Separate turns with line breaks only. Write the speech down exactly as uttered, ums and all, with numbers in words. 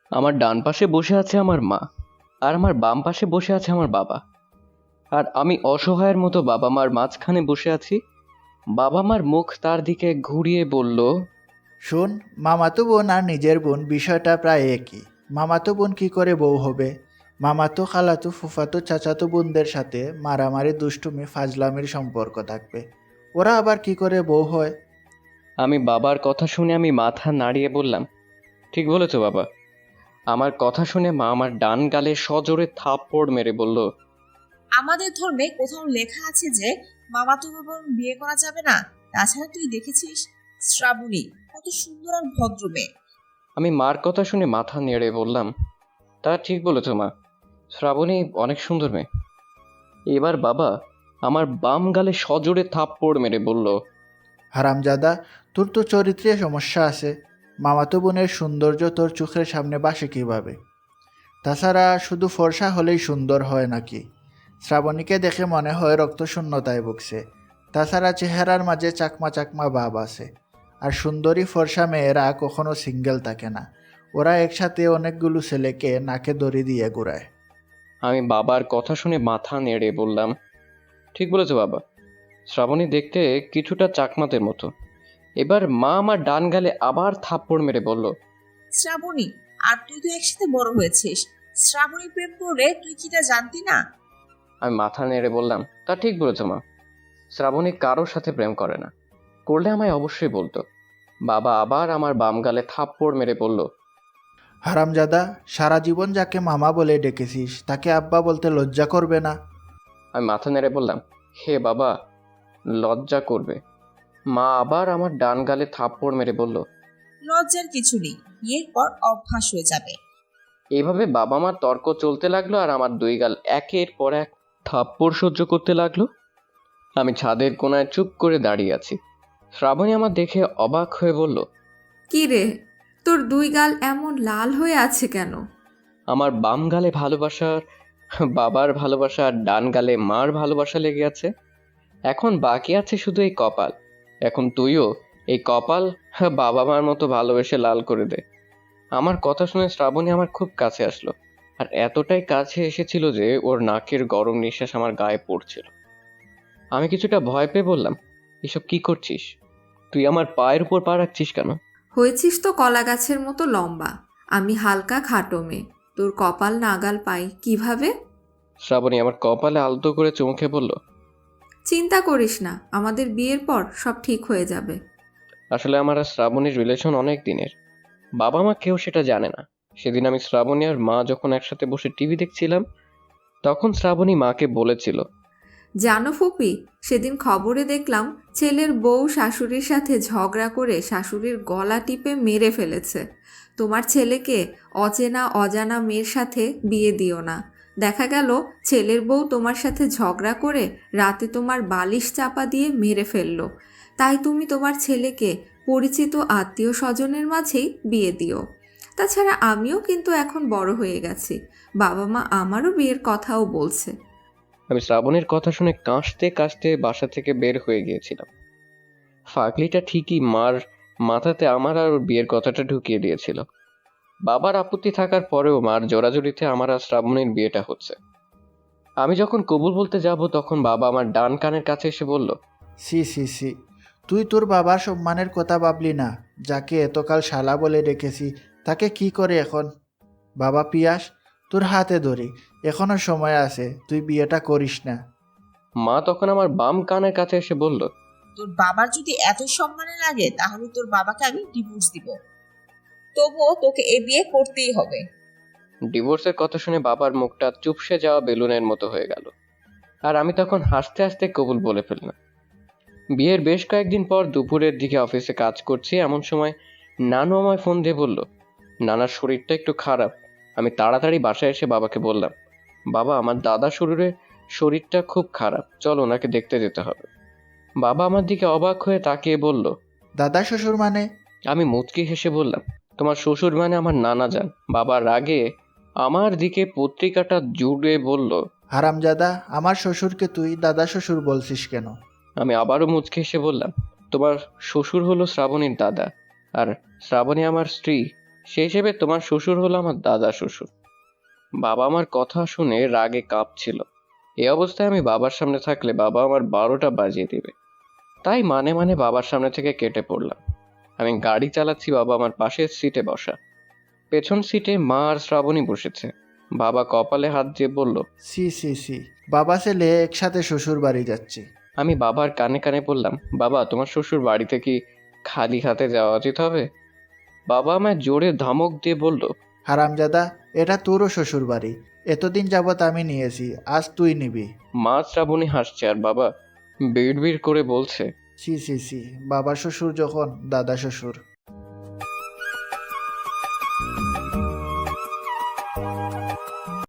আমার ডান পাশে বসে আছে আমার মা, আর আমার বাম পাশে বসে আছে আমার বাবা। আর আমি অসহায়ের মতো বাবা মার মাঝখানে বসে আছি। বাবা মার মুখ তার দিকে ঘুরিয়ে বলল,
শোন, মামাতো বোন আর নিজের বোন বিষয়টা প্রায় একই। মামাতো বোন কি করে বউ হবে? মামাতো, খালাতো, ফুফাতো, চাচাতো বোনদের সাথে মারামারি, দুষ্টুমি, ফাজলামির সম্পর্ক থাকবে। ওরা আবার কি করে বউ হয়?
আমি বাবার কথা শুনে আমি মাথা নাড়িয়ে বললাম, ঠিক বলেছো বাবা। আমার কথা শুনে মা আমার ডান গালে সজোরে থাপ্পড় মেরে বলল,
আমাদের ধর্মে কোথাও লেখা আছে যে মামাতো বোন বিয়ে করা যাবে না। তাছাড়া তুই দেখেছিস শ্রাবণী কত সুন্দর আর ভদ্র মেয়ে।
আমি মার কথা শুনে মাথা নেড়ে বললাম, তা ঠিক বলেছো মা, শ্রাবণী অনেক সুন্দর মেয়ে। এবার বাবা আমার বাম গালে সজোরে থাপ্পড় মেরে বলল,
হারামজাদা, তোর তো চরিত্রে সমস্যা আছে। মামাতো বোনের সৌন্দর্য তোর চোখের সামনে বাসে কিভাবে? তাছাড়া শুধু ফর্সা হলেই সুন্দর হয় নাকি? শ্রাবণীকে দেখে মনে হয় রক্তশূন্যতায় ভুগছে। তাছাড়া চেহারার মাঝে চাকমা চাকমা ভাব আছে। আর সুন্দরী ফর্সা মেয়েরা কখনো সিঙ্গেল থাকে না। ওরা একসাথে অনেকগুলো ছেলেকে নাকে দড়ি দিয়ে ঘুরায়।
আমি বাবার কথা শুনে মাথা নেড়ে বললাম, ঠিক বলেছো বাবা, শ্রাবণী দেখতে কিছুটা চাকমাতের মতো। এবার মা আমার ডান গালে আবার থাপ্পড় মেরে বলল,
শ্রাবণী আর তুই তো একসাথে বড় হয়েছিস। শ্রাবণী প্রেম করলে তুই কি তা জানতি না?
আমি মাথা নেড়ে বললাম, তা ঠিক বলেছো মা, শ্রাবণী কারোর সাথে প্রেম করে না, করলে আমায় অবশ্যই বলতো। বাবা আবার আমার বাম গালে থাপ্পড় মেরে বলল,
হারামজাদা, সারা জীবন যাকে মামা বলে ডেকেছিস তাকে আব্বা বলতে লজ্জা করবে না?
আমি মাথা নেড়ে বললাম, হে বাবা, লজ্জা করবে। মা আবার আমার ডান গালে থাপ্পড় মেরে বলল,
লজ্জার কিছু নেই, বিয়ের পর অভ্যাস হয়ে যাবে।
এইভাবে বাবা মার তর্ক চলতে লাগলো আর আমার দুই গাল একের পর এক থাপ্পড় সহ্য করতে লাগলো। আমি ছাদের কোনায় চুপ করে দাঁড়িয়ে আছি। শ্রাবণী আমার দেখে অবাক হয়ে বলল,
কি রে, তোর দুই গাল এমন লাল হয়ে আছে কেন?
আমার বাম গালে ভালোবাসার বাবার ভালোবাসা আর ডান গালে মার ভালোবাসা লেগে আছে। এখন বাকি আছে শুধু এই কপাল। এখন তুইও এই কপাল বাবা মার মতো ভালোবেসে লাল করে দে। আমার কথা শুনে শ্রাবণী আমার খুব কাছে আসলো, আর এতটাই কাছে এসেছিল যে ওর নাকের গরম নিঃশ্বাস আমার গায়ে পড়ছিল। আমি কিছুটা ভয় পেয়ে বললাম, এসব কি করছিস? তুই আমার পায়ের উপর পা রাখছিস কেন?
হয়েছিস তো কলা গাছের মতো লম্বা, আমি হালকা খাটো মেয়ে, তোর কপাল নাগাল পাই কিভাবে?
শ্রাবণী আমার কপালে আলতো করে চমকে বলল,
চিন্তা করিস না, আমাদের বিয়ের পর সব ঠিক হয়ে যাবে।
আসলে আমার আর শ্রাবণীর রিলেশন অনেক দিনের। বাবা মা কেউ সেটা জানে না। সেদিন আমি শ্রাবণী আর মা যখন একসাথে বসে টিভি দেখছিলাম, তখন শ্রাবণী মাকে বলেছিল,
জানো ফুপি, সেদিন খবরে দেখলাম ছেলের বউ শাশুড়ির সাথে ঝগড়া করে শাশুড়ির গলা টিপে মেরে ফেলেছে। তোমার ছেলেকে অচেনা অজানা মেয়ের সাথে বিয়ে দিও না। দেখা গেল ছেলের বউ তোমার সাথে ঝগড়া করে রাতে তোমার বালিশ চাপা দিয়ে মেরে ফেললো। তাই তুমি তোমার ছেলেকে পরিচিত আত্মীয় স্বজনের মাঝেই বিয়ে দিও। তাছাড়া আমিও কিন্তু এখন বড় হয়ে গেছি, বাবা মা আমারও বিয়ের কথাও বলছে।
আমি শ্রাবণীর কথা শুনে কাঁসতে কাঁসতে বাসা থেকে বের হয়ে গিয়েছিলাম। ফাগলিটা ঠিকই মার মাথাতে আমার আর ওর বিয়ের কথাটা ঢুকিয়ে দিয়েছিল। বাবার আপত্তি থাকার পরেও মার জোরাজুরিতে আমার আর শ্রাবণীর বিয়েটা হচ্ছে। আমি যখন কবুল বলতে যাব তখন বাবা আমার ডান কানের কাছে এসে বলল,
সি সি সি, তুই তোর বাবার সম্মানের কথা ভাবলি না? যাকে এতকাল শালা বলে ডেকেছি তাকে কি করে এখন? বাবা পিয়াস, তোর হাতে ধরি, এখনো সময় আছে, তুই বিয়েটা করিস না।
মা তখন আমার বাম কানের কাছে এসে বলল,
তোর বাবার যদি এত সম্মানে লাগে তাহলে তোর বাবাকে আমি ডিভোর্স দিব। তবুও তোকে এ বিয়ে করতেই হবে।
ডিভোর্সের কথা শুনে বাবার মুখটা চুপসে যাওয়া বেলুনের মতো হয়ে গেল, আর আমি তখন হাসতে হাসতে কবুল বলে ফেললাম। বিয়ের বেশ কয়েকদিন পর দুপুরের দিকে অফিসে কাজ করছি, এমন সময় নানু আমায় ফোন দিয়ে বলল, নানার শরীরটা একটু খারাপ। আমি তাড়াতাড়ি বাসায় এসে বাবাকে বললাম, বাবা, আমার দাদা শরীরে শরীরটা খুব খারাপ, চল ওনাকে দেখতে যেতে হবে। বাবা আমার দিকে অবাক হয়ে তাকিয়ে বলল,
দাদা শ্বশুর মানে?
আমি মুচকি হেসে বললাম, তোমার শ্বশুর মানে আমার নানা যান। বাবা রাগে আমার দিকে পত্রিকাটা জুড়ে বলল,
হারামজাদা, আমার শ্বশুরকে তুই দাদা শ্বশুর বলছিস কেন?
আমি আবারও মুচকি হেসে বললাম, তোমার শ্বশুর হলো শ্রাবণীর দাদা, আর শ্রাবণী আমার স্ত্রী। সেই হিসেবে তোমার শ্বশুর হলো আমার দাদা শ্বশুর। বাবা আমার কথা শুনে রাগে কাঁপছিল। এই অবস্থায় আমি বাবার সামনে থাকলে বাবা আমার বারোটা বাজিয়ে দিবে। তাই মানে মানে বাবার সামনে থেকে কেটে পড়লাম। আমি গাড়ি চালাচ্ছি, বাবা আমার পাশের সিটে বসা। পেছন সিটে মা আর শ্রাবণী বসেছে। বাবা কপালে হাত দিয়ে বলল,
সি সি সি বাবা ছেলে একসাথে শ্বশুর বাড়ি যাচ্ছি।
আমি বাবার কানে কানে বললাম, বাবা তোমার শ্বশুর বাড়িতে কি খালি হাতে যাওয়া উচিত হবে? বাবা আমায় জোরে ধমক দিয়ে বলল,
হারামজাদা, এটা তোরও শ্বশুর বাড়ি। এতদিন যাবৎ আমি নিয়েছি, আজ তুই নিবি।
মা শ্রাবণী হাসছে আর বাবা বিড় বিড় করে বলছে,
সি সি সি বাবা শ্বশুর যখন দাদা শ্বশুর।